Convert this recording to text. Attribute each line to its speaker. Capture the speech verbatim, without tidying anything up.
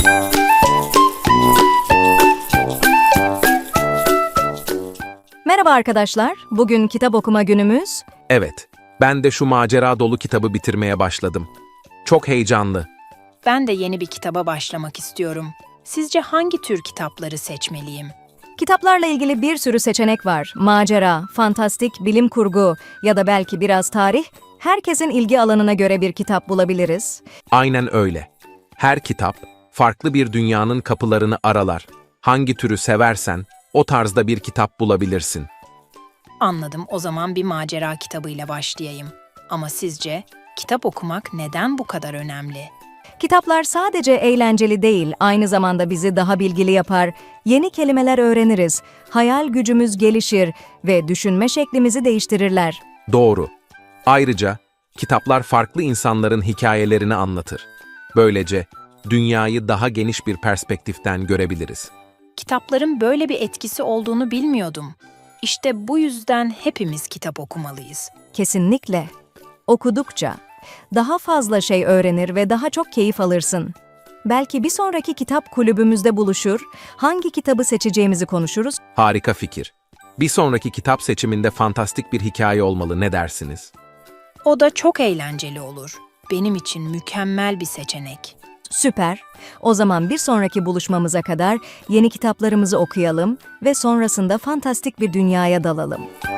Speaker 1: Merhaba arkadaşlar, bugün kitap okuma günümüz.
Speaker 2: Evet, ben de şu macera dolu kitabı bitirmeye başladım. Çok heyecanlı.
Speaker 3: Ben de yeni bir kitaba başlamak istiyorum. Sizce hangi tür kitapları seçmeliyim?
Speaker 1: Kitaplarla ilgili bir sürü seçenek var. Macera, fantastik, bilim kurgu ya da belki biraz tarih. Herkesin ilgi alanına göre bir kitap bulabiliriz.
Speaker 2: Aynen öyle. Her kitap, farklı bir dünyanın kapılarını aralar. Hangi türü seversen, o tarzda bir kitap bulabilirsin.
Speaker 3: Anladım, o zaman bir macera kitabıyla başlayayım. Ama sizce kitap okumak neden bu kadar önemli?
Speaker 1: Kitaplar sadece eğlenceli değil, aynı zamanda bizi daha bilgili yapar, yeni kelimeler öğreniriz, hayal gücümüz gelişir ve düşünme şeklimizi değiştirirler.
Speaker 2: Doğru. Ayrıca, kitaplar farklı insanların hikayelerini anlatır. Böylece, dünyayı daha geniş bir perspektiften görebiliriz.
Speaker 3: Kitapların böyle bir etkisi olduğunu bilmiyordum. İşte bu yüzden hepimiz kitap okumalıyız.
Speaker 1: Kesinlikle. Okudukça daha fazla şey öğrenir ve daha çok keyif alırsın. Belki bir sonraki kitap kulübümüzde buluşur, hangi kitabı seçeceğimizi konuşuruz.
Speaker 2: Harika fikir. Bir sonraki kitap seçiminde fantastik bir hikaye olmalı, ne dersiniz?
Speaker 3: O da çok eğlenceli olur. Benim için mükemmel bir seçenek.
Speaker 1: Süper. O zaman bir sonraki buluşmamıza kadar yeni kitaplarımızı okuyalım ve sonrasında fantastik bir dünyaya dalalım.